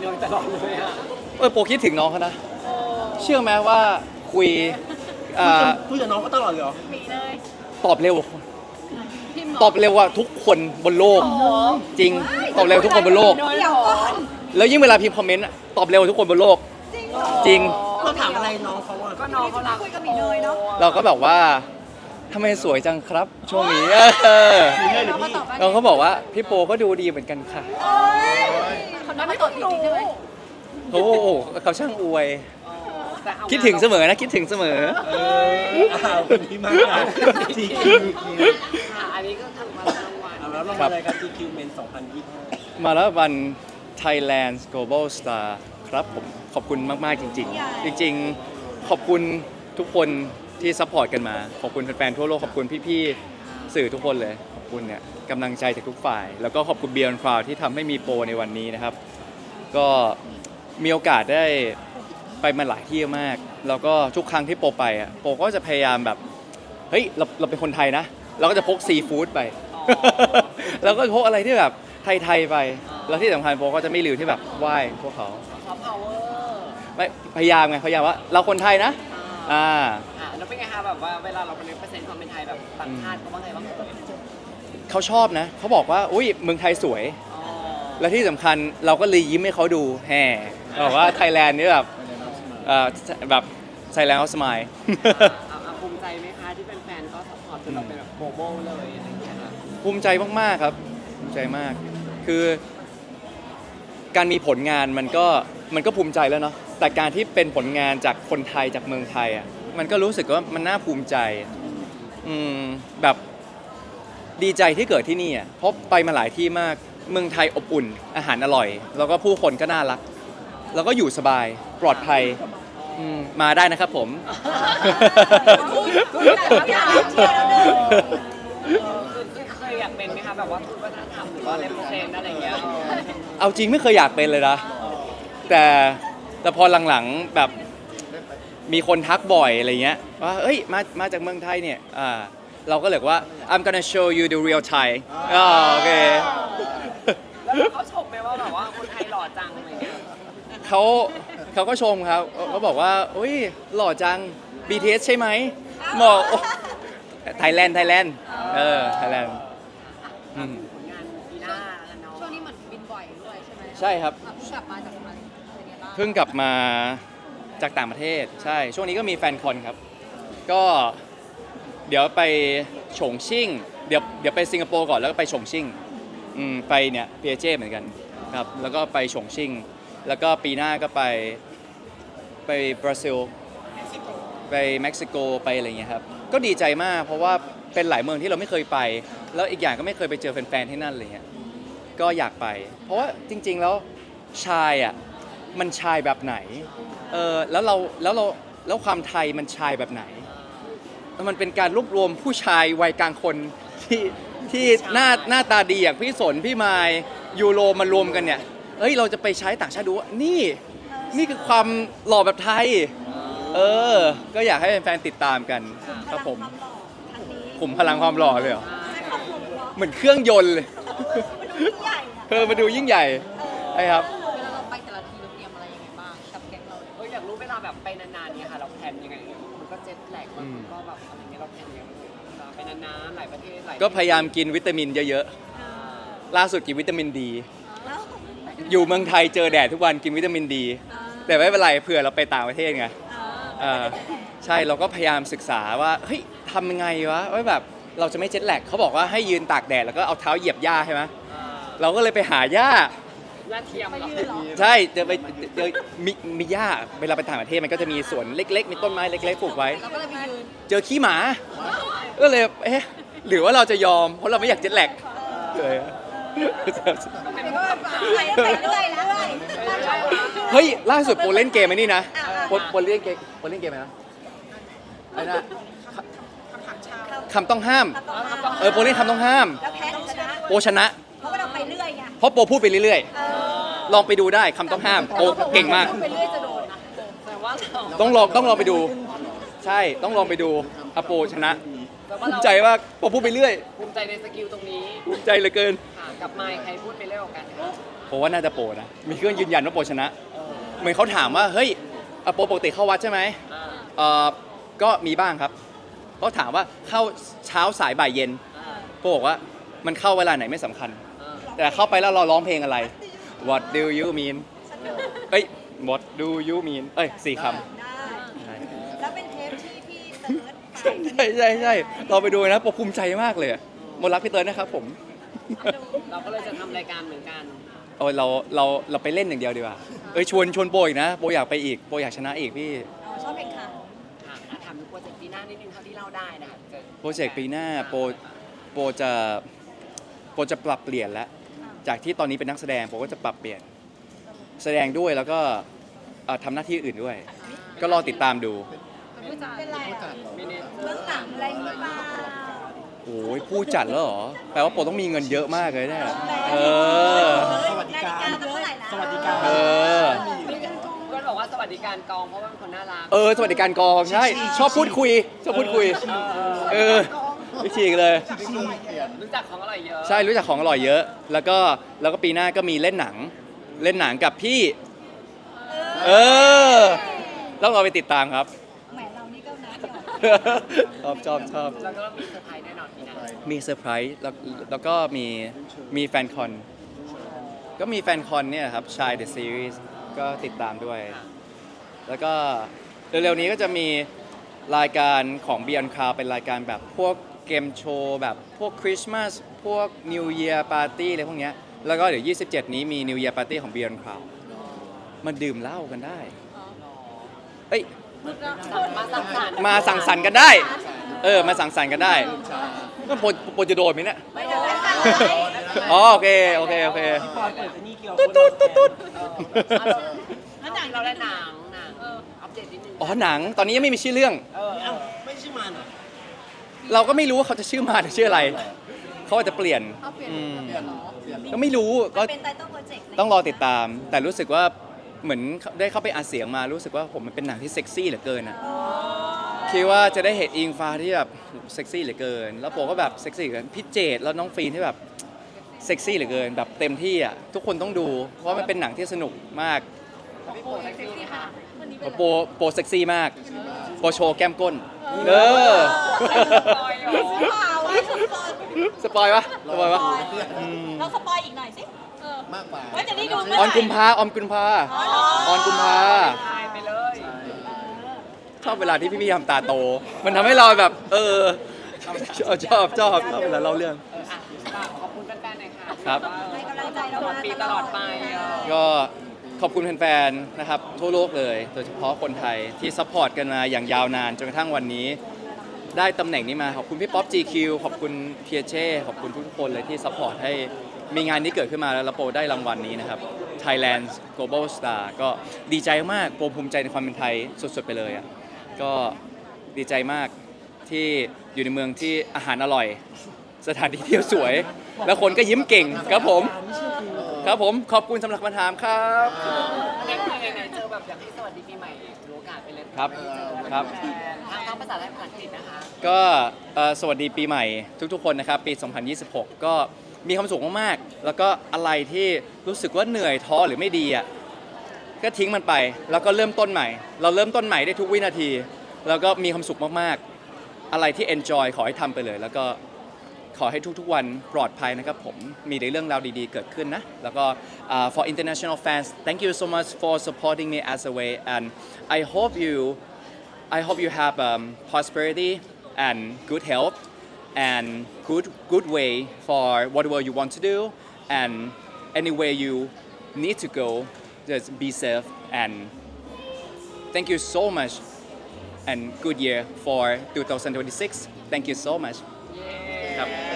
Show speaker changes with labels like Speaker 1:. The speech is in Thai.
Speaker 1: เนยตลอดเลยอะ
Speaker 2: โปคิดถึงน้องเขานะเชื่อไหมว่าคุย
Speaker 1: คุยกับน้องก็ตลอดเลยเหรอ
Speaker 3: มีเลย
Speaker 2: ตอบเร็วกว่าคนตอบเร็วกว่าทุกคนบนโลกจริงตอบเร็วทุกคนบนโลกแล้วยิ่งเวลาพิมพ์คอมเมนต์ตอบเร็วทุกคนบนโลกจริง
Speaker 1: เราถามอะไรน้องเขาอะ
Speaker 3: ก็น้องเขารักคุยกับมีเนยเนาะ
Speaker 2: เราก็แบบว่าทำไมสวยจังครับช่วงนี้น้องเขาบอกว่าพี่โปก็ดูดีเหมือนกันค่ะ
Speaker 3: เขาไม่ตอบจริงๆใช่ไหม
Speaker 2: โอ้เขาช่างอวยคิดถึงเสมอนะคิดถึงเสมอ
Speaker 1: คนนี้มาก GQ
Speaker 4: อันนี้ก็ทำมาแล้วรางวัล
Speaker 1: แล้วรางวัลอะไรครับ GQ Men 2025
Speaker 2: มาแล้ววัน Thailand Global Star ครับผมขอบคุณมากๆจริงๆจริงๆขอบคุณทุกคนที่ซัพพอร์ตกันมาขอบคุณแฟนๆทั่วโลกขอบคุณพี่ๆสื่อทุกคนเลยขอบคุณเนี่ยกำลังใจจากทุกฝ่ายแล้วก็ขอบคุณ Beyond Cloud ที่ทำให้มีโปรในวันนี้นะครับก็มีโอกาสได้ไปมาหลายที่มากแล้วก็ทุกครั้งที่โปไปอ่ะโปก็จะพยายามแบบเฮ้ยเราเป็นคนไทยนะเราก็จะพกซีฟู้ดไปแล้วก็พกอะไรที่แบบไทยๆไปแล้วที่สำคัญโปก็จะไม่ลืมที่แบบไหว้พวกเขา
Speaker 4: ซอฟต์พาวเวอร์
Speaker 2: ไม่พยายามว่าเราคนไทยนะ
Speaker 4: แล้วเป็นไงคะแบบว่าเวลาเราเป็นเปอร์เซ็นต์ความเป็นไทยแบบต่างชาติเขาว่าไงบ้าง
Speaker 2: เขาชอบนะเขาบอกว่าอุ้ยเมืองไทยสวยและที่สำคัญเราก็เลยยิ้มให้เขาดูแห่บอกว่าไทยแลนด์นี่แบบไทยแลนด์เขาสมาย
Speaker 4: ภูมิใจไหมคะที่เป็นแฟนก็ซัพพอร์ตจนเราเป็นแบบโกลบอลเลยอะไรอย่างเงี้ย
Speaker 2: ภูมิใจมากๆครับภูมิใจมากคือการมีผลงานมันก็ภูมิใจแล้วเนาะแต่การที่เป็นผลงานจากคนไทยจากเมืองไทยอ่ะมันก็รู้สึกว่ามันน่าภูมิใจแบบดีใจที่เกิดที่นี่อ่ะเพราะไปมาหลายที่มากเมืองไทยอบอุ่นอาหารอร่อยแล้วก็ผู้คนก็น่ารักแล้วก็อยู่สบายปลอดภัยมาได้นะครับผม
Speaker 4: เคยอยากเป็นไหมคะแบบว่าทูตวัฒนธรรมหรือว่าเลปเซนอะไรอย่างเงี้ย
Speaker 2: เอาจริงไม่เคยอยากเป็นเลยนะแต่พอหลังๆแบบมีคนทักบ่อยอะไรเงี้ยว่าเอ้ยมาจากเมืองไทยเนี่ยเราก็เลยว่า I'm gonna show you the real Thai โอเค
Speaker 4: แล้วเขาชมไหมว่าแบบว่าคนไทยหล่อจังอะไรเงี้ย
Speaker 2: เขาก็ชมครับเขาบอกว่าอุ้ยหล่อจัง BTS ใช่ไหมบอกไทยแลนด์ไทยแลนด์
Speaker 4: ผลงานปีหน้า
Speaker 3: ช่วงนี้เหมือนบินบ่อยด้วยใช่ไหม
Speaker 2: ใช่ครับ
Speaker 3: กลับมาจากอะไร
Speaker 2: เพิ่งกลับมาจากต่างประเทศใช่ช่วงนี้ก็มีแฟนคอนครับก็เดี๋ยวไปฉงชิ่งเดี๋ยวไปสิงคโปร์ก่อนแล้วก็ไปฉงชิ่งไปเนี่ยพีเอเจเหมือนกันครับแล้วก็ไปฉงชิ่งแล้วก็ปีหน้าก็ไปบราซิลไปเม็กซิโกไปอะไรเงี้ยครับก็ดีใจมากเพราะว่าเป็นหลายเมืองที่เราไม่เคยไปแล้วอีกอย่างก็ไม่เคยไปเจอแฟนๆที่นั่นอะไรเงี้ยก็อยากไปเพราะว่าจริงๆแล้วชายอ่ะมันชายแบบไหนแล้วความไทยมันชายแบบไหนมันเป็นการรวบรวมผู้ชายวัยกลางคนที่หน้าตาดีอย่างพี่สนพี่มายยูโรมารวมกันเนี่ยเราจะไปใช้ต่างชาติดูว่านี่คือความหล่อแบบไทยก็อยากให้แฟนๆติดตามกันครับผมขุมพลังความหล่อเลยเหรอเหมือนเครื่องยนต์เลยมาดูยิ่งใหญ่ใช่ครับ
Speaker 3: เวลาเราไปแต่ละทีเราเตรียมอะไรยังไงบ้างกับแก๊งเรา
Speaker 4: อยากรู้เวลาแบบไปนานๆเนี่ยค่ะเราแพลนยังไงมันก็เจ็ตแลกมันก็แบบอะไรเงี้ยเราแพลนยังไงไปนานๆหลายประเทศ
Speaker 2: ก็พยายามกินวิตามินเยอะๆล่าสุดกินวิตามินดีอยู่เมืองไทยเจอแดดทุกวันกินวิตามินดีแต่ไม่เป็นไรเผื่อเราไปต่างประเทศไงใช่เราก็พยายามศึกษาว่าเฮ้ยทำยังไงวะว่าแบบเราจะไม่เจ็ตแลกเขาบอกว่าให้ยืนตากแดดแล้วก็เอาเท้าเหยียบหญ้าใช่ไหมเราก็เลยไปหาหญ้า
Speaker 4: เทียม
Speaker 2: ใช่เจอมีหญ้าเวลาไปต่างประเทศมันก็จะมีสวนเล็กๆมีต้นไม้เล็กๆปลูกไว้เจอขี้หมาก็เลยหรือว่าเราจะยอมเพราะเราไม่อยากเจ็ตแลกเลยเฮ้ยล่าสุดโปรเล่นเกมไอ้นี่นะโปรเล่นเกมไหมนะไอ้น่ะคำต้องห้ามโปรเล่นคำต้องห้ามโปรชนะ
Speaker 3: เพราะว่าเราไปเรื่อยไง
Speaker 2: เพราะโปรพูดไปเรื่อยๆลองไปดูได้คำต้องห้ามโปรเก่งมาก
Speaker 3: ไปเรื่อยจะโดนนะ
Speaker 4: แต่ว่า
Speaker 2: ต้องลองไปดูใช่ต้องลองไปดูโปรชนะภูมิใจว่าโปรพูดไปเรื่อย
Speaker 4: ภูมิใจในสกิลตรงนี้
Speaker 2: ภูมิใจเหลือเกิน
Speaker 4: กับไมค์ใครพูดไปเรื่อยกว่ากัน
Speaker 2: ผมว่าน่าจะโปรนะมีเครื่องยืนยันว่าโปรชนะเหมือนเขาถามว่าเฮ้ยโปรปกติเข้าวัดใช่ไหมก็มีบ้างครับเขาถามว่าเข้าเช้าสายบ่ายเย็นโปรบอกว่ามันเข้าเวลาไหนไม่สำคัญ แต่เข้าไปแล้วเราร้องเพลงอะไร What do you mean เอ้ย What do you mean เอ้ย4 คำ
Speaker 3: ได้แล้วเป็นเทปที่พี่เติร์ดไป
Speaker 2: ใช่เราไปดูนะโปรภูมิใจมากเลยอะมนรักพี่เติร์ดนะครับผม
Speaker 4: เราก็เลยจะทำรายการเหมือนกัน
Speaker 2: เอาเราไปเล่นอย่างเดียวดีกว่าชวนโปรอีกนะโปรอยากไปอีกโปรอยากชนะอีกพี่
Speaker 3: ชอบเพลงค่ะ
Speaker 4: ค่ะถามถึงโปรเจกต์ปีหน้านิดนึงเท่าที่เล่าได้นะคะ
Speaker 2: โปรเจกต์ปีหน้าโปรจะปรับเปลี่ยนแล้วจากที่ตอนนี้เป็นนักแสดงโปรก็จะปรับเปลี่ยนแสดงด้วยแล้วก็ทำหน้าที่อื่นด้วย ก็รอติดตามดู
Speaker 3: เป็นไรอ่ะ
Speaker 4: มินิ
Speaker 3: เรื่องหนังอะไรหรือเปล่า
Speaker 2: โอ้ยผู้จัดแล้วเหรอแปลว่าโปรต้องมีเงินเยอะมากเลยเนี่ย
Speaker 1: สวัสดิการ
Speaker 3: นาฬิเท่าไหร่นะ
Speaker 1: สวัสดิการ
Speaker 2: เออ
Speaker 4: เพื่อนบอกว่าสวัสดิการกองเพราะว่าเป็นคนน่ารัก
Speaker 2: สวัสดิการกองใช่ชอบพูดคุยไม่ฉีกเลย
Speaker 4: รู้จักของอร่อยเยอะ
Speaker 2: ใช่รู้จักของอร่อยเยอะ แล้วก็ปีหน้าก็มีเล่นหนังกับพี่ต้องรอไปติดตามครับ
Speaker 3: แหมเรานี่ก็นะเดี๋ยว
Speaker 2: ชอบ
Speaker 4: แล้วก็มีเซอร์ไพรส์แน่นอนปีหน้า
Speaker 2: มีเซอร์ไพรส์แล้วก็มีแฟนคอนก็มีแฟนคอนเนี่ยครับชาย The Series ก็ติดตามด้วย แล้วก็เร็วๆนี้ก็จะมีรายการของ Beyond Cloud เป็นรายการแบบพวกเกมโชว์แบบพวกคริสต์มาสพวก New Year Party อะไรพวกเนี้ยแล้วก็เดี๋ยว 27 นี้มี New Year Party ของ Beyond Cloud มันดื่มเหล้ากันได้เอ้ย
Speaker 4: มาสั่งสรรค์
Speaker 2: มาสั่งสรรค์กันได้มาสั่งสรรค์กันได้ก็โปรจะโดนไหมเนี่ย
Speaker 3: ไม่เป็นไรค่ะ
Speaker 2: อ๋อโอเค
Speaker 1: พี่ปอยเปิดไอ้นี่เกี่ยว
Speaker 2: ตุ๊ด
Speaker 4: แล้วหนังเราได้หนังอัปเดตนิดนึง
Speaker 2: อ๋อหนังตอนนี้ยังไม่มีชื่อเรื่อง
Speaker 1: เอ้าไม่ใช่มันเหรอ
Speaker 2: เราก็ไม่รู้ว่าเขาจะชื่อมาหรือชื่ออะไรเขาอาจจะเปลี่ยนก็ไม่รู้ก็
Speaker 3: เป็นไตเติ้ลโปรเจกต์
Speaker 2: ต้องรอติดตาม แต่รู้สึกว่าเหมือนได้เข้าไปอ่านเสียงมารู้สึกว่าผมมันเป็นหนังที่เซ็กซี่เหลือเกินอ่ะคิดว่าจะได้เห็นอิงฟ้าที่แบบเซ็กซี่เหลือเกิน แล้วโปก็แบบเซ็กซี่เหลือเกินพี่เจดแล้วน้องฟีนที่แบบเซ็กซี่เหลือเกินแบบเต็มที่อ่ะทุกคนต้องดู เพราะว่ามันเป็นหนังที่สนุกมาก
Speaker 4: พี่โปรเซ็กซี่ค่ะ
Speaker 2: โปเซ็กซี่มากโปโชว์แก้มก้นสปอยวะ
Speaker 3: เราสปอยอีกหน่อยสิมากกว่าว่าจะได้ดูเมื่อ
Speaker 2: อ
Speaker 3: ไห
Speaker 2: อน
Speaker 3: ร่
Speaker 2: กุมภา
Speaker 4: ตายไปเลย
Speaker 2: ชอบเวลาที่พี่ๆทำตาโต มันทำให้เราแบบชอบเวลาเล่าเรื่อง
Speaker 4: ขอบคุณแฟนๆหน่อยค่ะ
Speaker 2: ครับ
Speaker 3: ให้กำลังใจเรา
Speaker 4: ตลอดปีตลอดไป
Speaker 2: ก็ขอบคุณแฟนๆนะครับทั่วโลกเลยโดยเฉพาะคนไทยที่ซัพพอร์ตกันมาอย่างยาวนานจนกระทั่งวันนี้ ได้ตำแหน่งนี้มาขอบคุณพี่ป๊อป GQ ขอบคุณเพียเช่ขอบคุณทุกคนเลยที่ซัพพอร์ตให้มีงานนี้เกิดขึ้นมาแล้วโปรได้รางวัลนี้นะครับ Thailand Global Star ก็ดีใจมากโปรภูมิใจในความเป็นไทยสุดๆไปเลยอ่ะก็ดีใจมากที่อยู่ในเมืองที่อาหารอร่อย สถานที่เที่ยวสวย แล้วคนก็ยิ้มเก่งครับผมขอบคุณสำหรับคำถามครับ
Speaker 4: ไหนๆเจอแบบอยากให้สวัสดีปีใหม่รู้โอกาสไปเลย
Speaker 2: ครับ
Speaker 4: ทั้งภาษาไทยภาษาอังกฤษนะคะ
Speaker 2: ก็สวัสดีปีใหม่ทุกๆคนนะครับปี 2026 ก็มีความสุขมากๆแล้วก็อะไรที่รู้สึกว่าเหนื่อยท้อหรือไม่ดีอ่ะก็ทิ้งมันไปแล้วก็เริ่มต้นใหม่ เราเริ่มต้นใหม่ได้ทุกวินาที แล้วก็มีความสุขมากๆอะไรที่ enjoy ขอให้ทำไปเลยแล้วก็ขอให้ทุกๆวันปลอดภัยนะครับผมมีแต่เรื่องราวดีๆเกิดขึ้นนะแล้วก็ for international fans thank you so much for supporting me as a way and I hope you have prosperity and good health and good way for whatever you want to do and anywhere you need to go just be safe and thank you so much and good year for 2026 thank you so much ครับ